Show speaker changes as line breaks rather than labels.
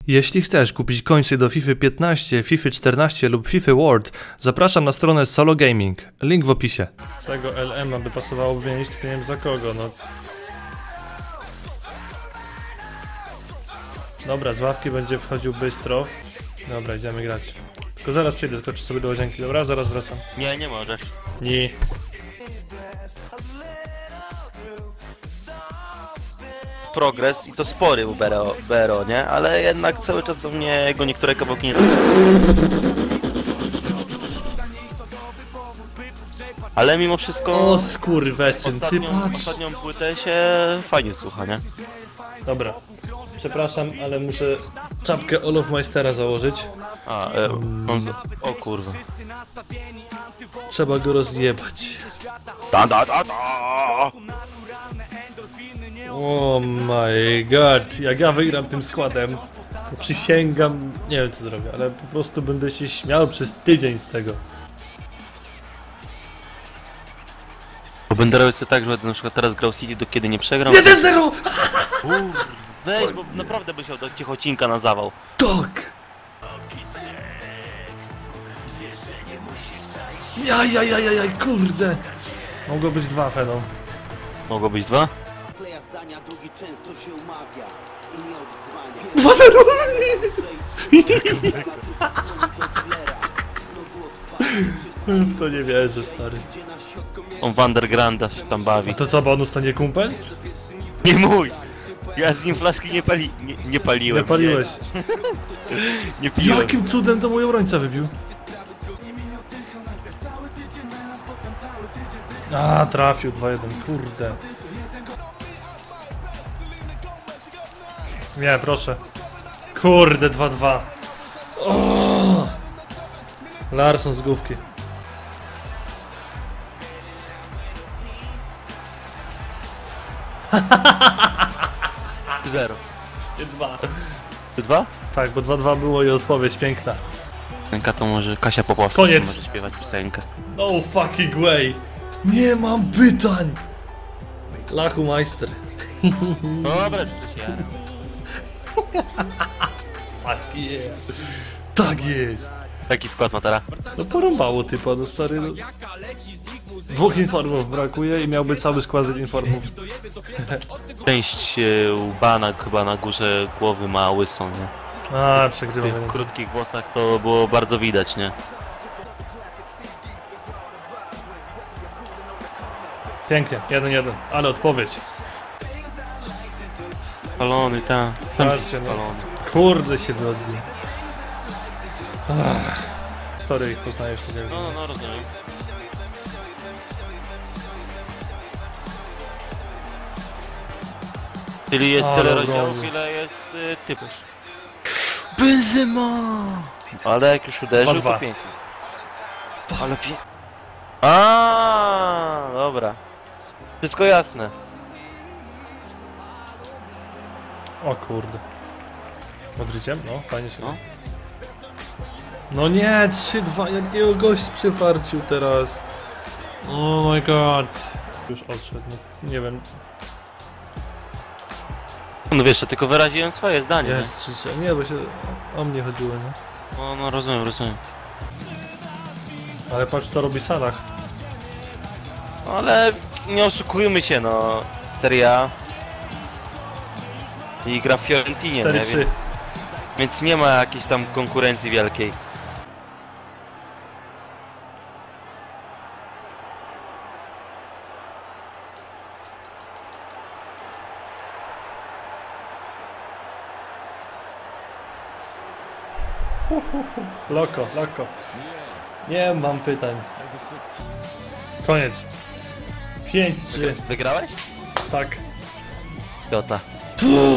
Jeśli chcesz kupić końce do FIFA 15, FIFA 14 lub FIFA World, zapraszam na stronę Solo Gaming. Link w opisie. Z tego LM by pasowało wymienić, tylko nie wiem za kogo, no. Dobra, z ławki będzie wchodził bystro. Dobra, idziemy grać. Tylko zaraz przyjdę, skoczę sobie do łazienki, dobra? Zaraz wracam.
Nie możesz.
Nie.
Progres i to spory u BRO, nie? Ale jednak cały czas do mnie jego niektóre kawałki nie... Ale mimo wszystko...
O skurwesyn, ty patrz.
Ostatnią płytę się fajnie słucha, nie?
Dobra. Przepraszam, ale muszę czapkę Olofmeistera założyć.
O kurwa.
Trzeba go rozjebać. Oh my god, jak ja wygram tym składem, to przysięgam, nie wiem co zrobię, ale po prostu będę się śmiał przez tydzień z tego.
Bo będę robił sobie tak, że na przykład teraz grał City, do kiedy nie przegram.
1-0!
Weź, bo naprawdę byś chciał do Ciechocinka na zawał.
Tak! Jaj, kurde! Mogło być 2, Feną.
Mogło być 2?
2-0! W to nie wierzę, stary.
On Vandergranda się tam bawi.
A to co, bonus to nie kumpel?
Nie mój! Ja z nim flaszki nie paliłem.
Nie paliłeś.
Nie piłem.
Jakim cudem to mój obrońca wybił? A, trafił 2-1, kurde. Nie, proszę. Kurde, 2-2. Larsson z główki.
Zero.
2.
2?
Tak, bo 2-2 było i odpowiedź piękna.
Piosenka to może Kasia Popławska
Koniec.
może śpiewać piosenkę.
No fucking way. Nie mam pytań. Lachumeister.
Dobra, przecież ja.
Tak jest. Tak jest.
Taki skład ma teraz.
No porąbało typa, no stary. No. 2 informów brakuje i miałby cały skład informów.
Część łba chyba na górze głowy ma łysą, nie?
A,
W
przegrywam.
tych krótkich włosach to było bardzo widać, nie?
Pięknie, 1-1, ale odpowiedź.
Spalony, ta. Sam
Patrzcie, no.
spalony.
Kurde się wyodbił. Story ich poznajesz, to nie wiem.
No, rozumiem. Czyli jest
Ale
tyle rozdziałów,
obrony.
ile jest typów. Benzema! Ale jak już uderzył,
2-2.
to pięknie. Ale A, dobra. Wszystko jasne.
O kurde. Modryciem? No, fajnie się.
No.
No nie, 3-2, jakiego gość przyfarcił teraz. Oh my god. Już odszedł, no, nie wiem.
No wiesz, ja tylko wyraziłem swoje zdanie.
Jest 3-3, nie, bo się o mnie chodziło, nie?
No rozumiem.
Ale patrz co robi Salah.
No, ale nie oszukujmy się, no. Serie A. I gra w Fiorentinie, nie?
4-3.
Więc nie ma jakiejś tam konkurencji wielkiej.
Loko. Nie mam pytań. Koniec. 5-3.
Wygrałeś?
Tak.
Jota.